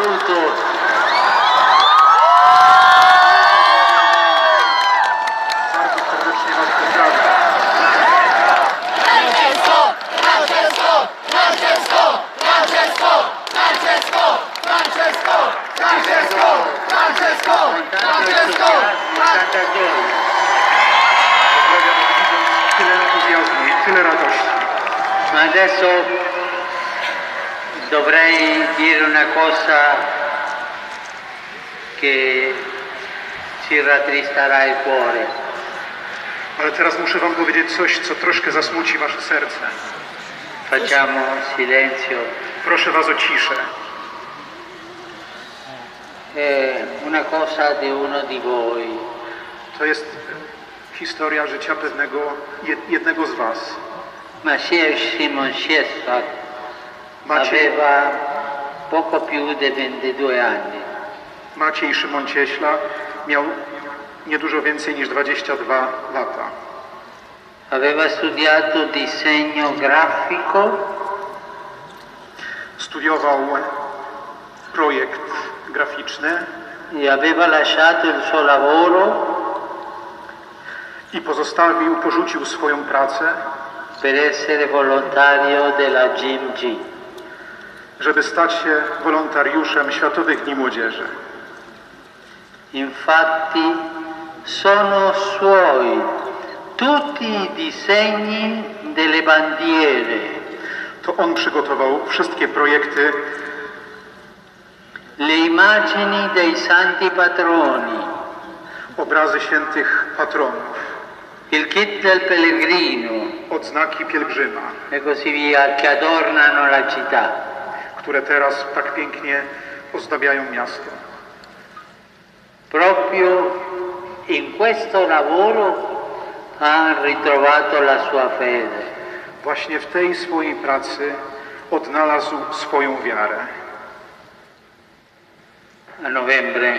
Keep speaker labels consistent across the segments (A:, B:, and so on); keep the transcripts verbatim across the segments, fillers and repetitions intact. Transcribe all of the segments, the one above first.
A: saluto.
B: Bardzo serdecznie Was pozdrawiam.
C: Francesco, Francesco, Francesco, Francesco, Francesco, Francesco, Francesco, Francesco, Francesco,
B: Pozdrawiam widząc tyle entuzjazmu i tyle radości.
A: Ma adesso dovrei dire una cosa che ci rattristerà il cuore.
B: Ale teraz muszę Wam powiedzieć coś, co troszkę zasmuci Wasze serce.
A: Facciamo silenzio.
B: Proszę Was o ciszę.
A: È una cosa di uno di voi.
B: To jest historia życia pewnego, jed- jednego z Was.
A: Maciej Simon Sciesfa
B: Maciej,
A: aveva poco più di ventidue anni.
B: Maciej Szymon Cieśla miał niedużo więcej niż dwadzieścia dwa lata.
A: Aveva studiato disegno grafico
B: Studiował projekt graficzny
A: e aveva lasciato il suo lavoro
B: i pozostawił, porzucił swoją pracę,
A: per essere volontario della G M G.
B: żeby stać się wolontariuszem Światowych Dni Młodzieży.
A: Infatti sono suoi tutti i disegni delle bandiere,
B: To on przygotował wszystkie projekty,
A: le immagini dei santi patroni,
B: obrazy świętych patronów,
A: il kit del pellegrino
B: odznaki pielgrzyma,
A: e così via che adornano la città.
B: które teraz tak pięknie ozdabiają miasto.
A: Proprio in questo lavoro ha ritrovato la sua fede.
B: Właśnie w tej swojej pracy odnalazł swoją wiarę.
A: A novembre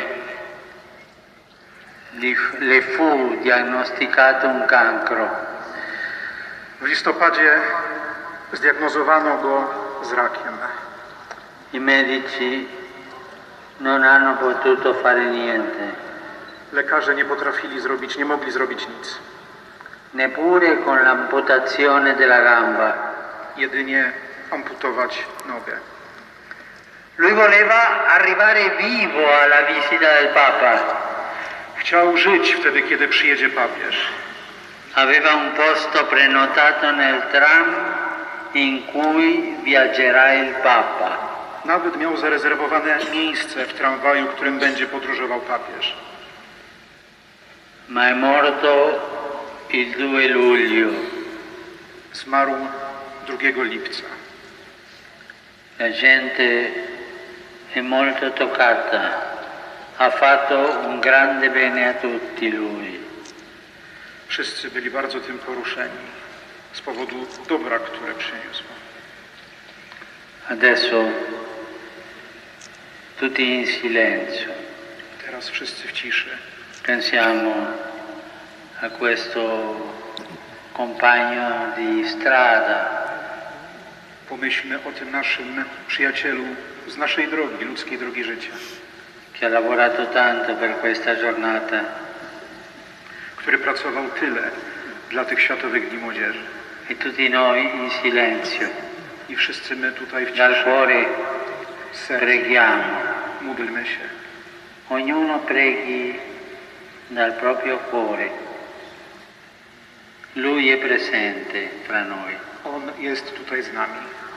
A: gli- le fu diagnosticato un cancro.
B: W listopadzie zdiagnozowano go z rakiem.
A: I medici non hanno potuto fare niente,
B: Lekarze nie potrafili zrobić, nie mogli zrobić nic.
A: neppure con l'amputazione della gamba.
B: Jedynie amputować nogę.
A: Lui voleva arrivare vivo alla visita del Papa.
B: Chciał żyć wtedy, kiedy przyjedzie papież.
A: Aveva un posto prenotato nel tram in cui viaggerà il Papa.
B: Nawet miał zarezerwowane miejsce w tramwaju, którym będzie podróżował papież.
A: Ma è morto il due luglio.
B: Zmarł drugiego lipca.
A: La gente è molto toccata. Ha fatto un grande bene a tutti lui.
B: Wszyscy byli bardzo tym poruszeni z powodu dobra, które przyniósł.
A: Adesso tutti in silenzio.
B: Teraz wszyscy w ciszy.
A: Pensiamo a questo compagno di strada
B: Pomyślmy o tym naszym przyjacielu z naszej drogi, ludzkiej drogi życia,
A: che ha lavorato tanto per questa giornata
B: który pracował tyle dla tych Światowych Dni Młodzieży.
A: e tutti noi in silenzio.
B: I wszyscy my tutaj w
A: Dal
B: ciszy,
A: cuore
B: z serca,
A: preghiamo.
B: módlmy się.
A: Ognuno preghi dal proprio cuore. Lui è presente fra noi.
B: On jest tutaj z nami.